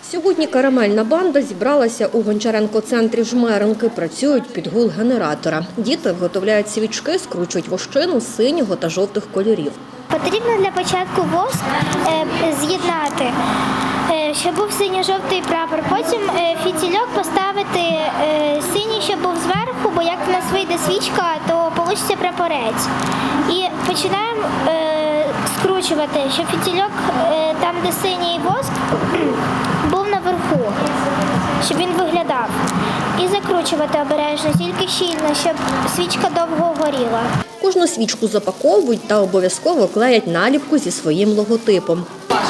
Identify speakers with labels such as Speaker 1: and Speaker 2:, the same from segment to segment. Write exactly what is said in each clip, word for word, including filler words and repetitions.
Speaker 1: Сьогодні карамельна банда зібралася у Гончаренко-центрі Жмеринки. Працюють під гул генератора. Діти виготовляють свічки, скручують вощину синього та жовтих кольорів.
Speaker 2: Потрібно для початку воск е, з'єднати, е, щоб був синьо-жовтий прапор. Потім е, фітільок поставити е, синій, щоб був зверху, бо як в нас вийде свічка, то вийде прапорець. І починаємо е, скручувати, щоб фітільок е, там, де синій воск, був наверху, щоб він виглядав. І закручувати обережно, тільки щільно, щоб свічка довго горіла.
Speaker 1: Кожну свічку запаковують та обов'язково клеять наліпку зі своїм логотипом.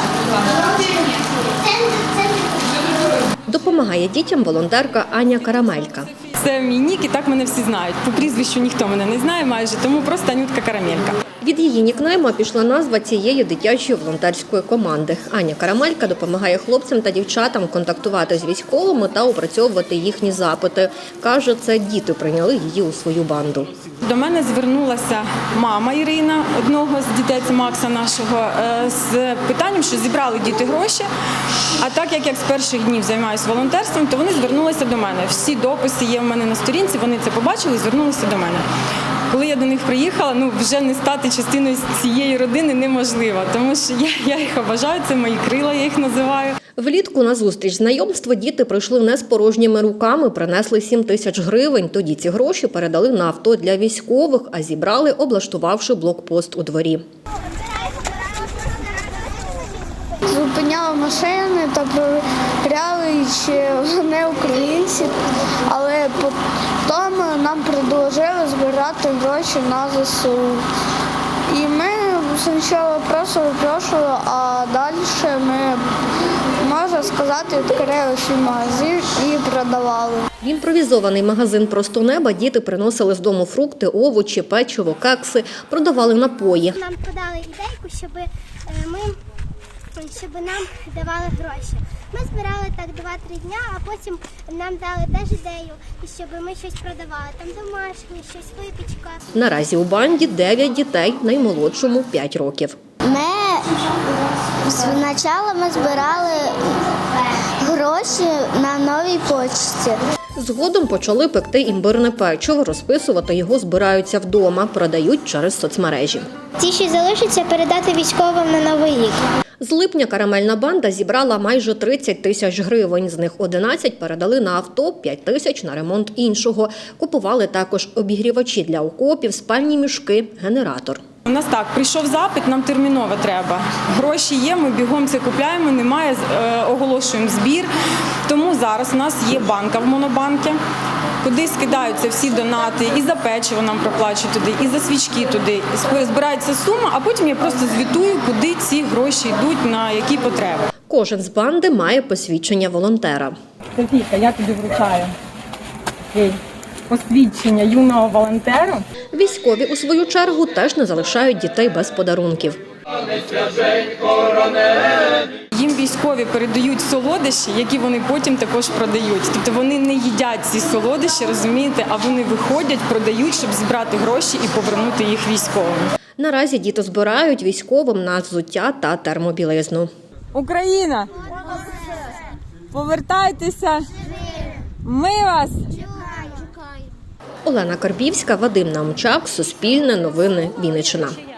Speaker 1: Допомагає дітям волонтерка Аня Карамелька.
Speaker 3: Це мій нік, і так мене всі знають. По прізвищу ніхто мене не знає майже, тому просто Анютка Карамелька.
Speaker 1: Від її нікнейма пішла назва цієї дитячої волонтерської команди. Аня Карамелька допомагає хлопцям та дівчатам контактувати з військовими та опрацьовувати їхні запити. Каже, це діти прийняли її у свою банду.
Speaker 3: До мене звернулася мама Ірина, одного з дітей Макса нашого, з питанням, що зібрали діти гроші. А так як я з перших днів займаюся волонтерством, то вони звернулися до мене. Всі дописи є в мене на сторінці, вони це побачили і звернулися до мене. Коли я до них приїхала, ну вже не стати частиною цієї родини неможливо, тому що я, я їх обожаю, це мої крила, я їх називаю.
Speaker 1: Влітку на зустріч знайомства діти прийшли не з порожніми руками, принесли сім тисяч гривень. Тоді ці гроші передали на авто для військових, а зібрали, облаштувавши блокпост у дворі.
Speaker 4: Зупиняли машини та перевіряли, чи вони українці, але потім нам предложили збирати гроші на ЗСУ. І ми спочатку просто випрошували, а далі ми, можна сказати, відкрили свій магазин і продавали.
Speaker 1: В імпровізований магазин «Просто неба» діти приносили з дому фрукти, овочі, печиво, кекси, продавали напої.
Speaker 2: Нам подали ідейку, щоб ми щоб нам давали гроші. Ми збирали так два-три дня, а потім нам дали теж ідею, щоб ми щось продавали. Там домашнє, щось, випічка.
Speaker 1: Наразі у банді дев'ять дітей, наймолодшому – п'ять років.
Speaker 2: Ми спочатку ми збирали гроші на новій почті.
Speaker 1: Згодом почали пекти імбирне печиво, розписувати його збираються вдома, продають через соцмережі.
Speaker 2: Ті, що залишаться, передати військовим на Новий рік.
Speaker 1: З липня карамельна банда зібрала майже тридцять тисяч гривень. З них одинадцять передали на авто, п'ять тисяч на ремонт іншого. Купували також обігрівачі для окопів, спальні мішки, генератор.
Speaker 3: У нас так, прийшов запит, нам терміново треба. Гроші є, ми бігом це купляємо, немає, оголошуємо збір. Тому зараз у нас є банка в Монобанкі, куди скидаються всі донати, і за печиво нам проплачують туди, і за свічки туди. Збирається сума, а потім я просто звітую, куди ці гроші йдуть, на які потреби.
Speaker 1: Кожен з банди має посвідчення волонтера.
Speaker 3: Софійка, я тобі вручаю посвідчення юного волонтера.
Speaker 1: Військові, у свою чергу, теж не залишають дітей без подарунків.
Speaker 3: Їм військові передають солодощі, які вони потім також продають. Тобто вони не їдять ці солодощі, розумієте, а вони виходять, продають, щоб зібрати гроші і повернути їх військовим.
Speaker 1: Наразі діти збирають військовим на взуття та термобілизну.
Speaker 3: Україна! Повертайтеся! Ми вас!
Speaker 1: Олена Карбівська, Вадим Наумчак, Суспільне новини, Вінниччина.